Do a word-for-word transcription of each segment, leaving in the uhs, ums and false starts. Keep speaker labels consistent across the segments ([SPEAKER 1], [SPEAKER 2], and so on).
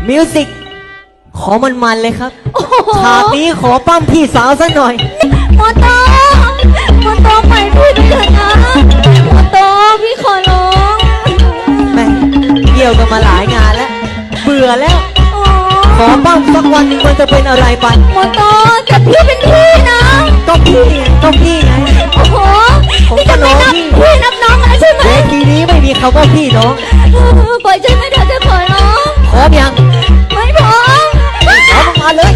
[SPEAKER 1] มิวสิกขอมันๆเลยครับฉากนี้ขอปั้มพี่สาวสักหน่อย
[SPEAKER 2] มอโตมอโตไปพี่ไปเถิดนะมอโตพี่ขอร้อง
[SPEAKER 1] แม่เกี่ยวกันมาหลายงานแล้วเบื่อแล้วขอปั้มสักวันหนึ่งมันจะเป็นอะไรไป
[SPEAKER 2] มอโตแต่พี่เป็นพี่นะ
[SPEAKER 1] ก็พี่ก็พี่ไง
[SPEAKER 2] โอ้โหพี่จะไม่นับพี่นับน้องแล้วใช่ไหม
[SPEAKER 1] เวทีนี้ไม่มีคำว่าพี่น้อง
[SPEAKER 2] ปล่อยฉันไม่ได้จะขอร้อง
[SPEAKER 1] พร้อมยัง
[SPEAKER 2] ไม่พร้อม
[SPEAKER 1] พร้อมมาเลย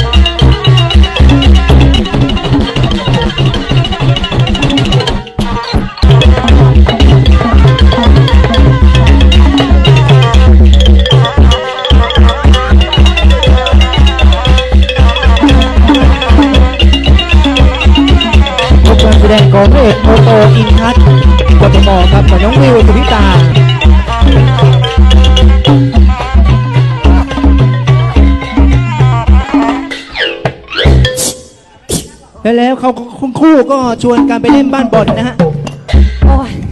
[SPEAKER 3] การแสดงของพระเอกโมโตอินทัศน์กทมครับกับน้องวิวสุธิตาและแล้วเขาคุณคู่ก็ชวนกันไปเล่นบ้านบอลนะฮะ
[SPEAKER 1] โอ้ย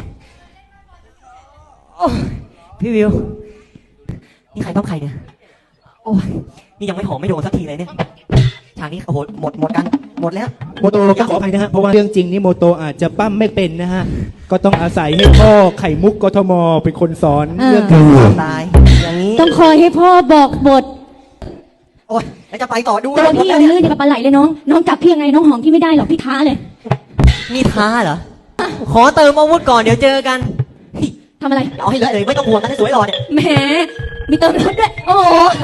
[SPEAKER 1] โอ้ยพี่วิวนี่ใครต้องใครเนี่ยโอ้ยนี่ยังไม่หอมไม่โดนสักทีเลยเนี่ยฉากนี้โอ้โหหมดหมดกันหมดแล้ว
[SPEAKER 3] โมโตก็ขออภัยนะฮะเพราะว่าเรื่องจริงนี่โมโตอาจจะปั้มไม่เป็นนะฮะก็ต้องอาศัยให้พ่อไข่มุกกทมเป็นคนสอนเรื่องการ
[SPEAKER 1] ตายอย่างนี้
[SPEAKER 2] ต้องคอยให้พ่อบอกบท
[SPEAKER 1] โอ้ยแล้วจะไปต่อดู
[SPEAKER 2] ตัวพี่ยังลื่นอย่างกับปลาไหลเลยน้องน้องจับพี่ยังไงน้องหอมพี่ไม่ได้หรอกพี่ท้าเลย
[SPEAKER 1] นี่ท้าเหรอขอเติมอาวุธก่อนเดี๋ยวเจอกัน
[SPEAKER 2] ทำอะไร
[SPEAKER 1] เอาให้เลยไม่ต้องห่วงกันให้สวยหล่อเนี่ย
[SPEAKER 2] แหมมีเติมรถด้วยโอ้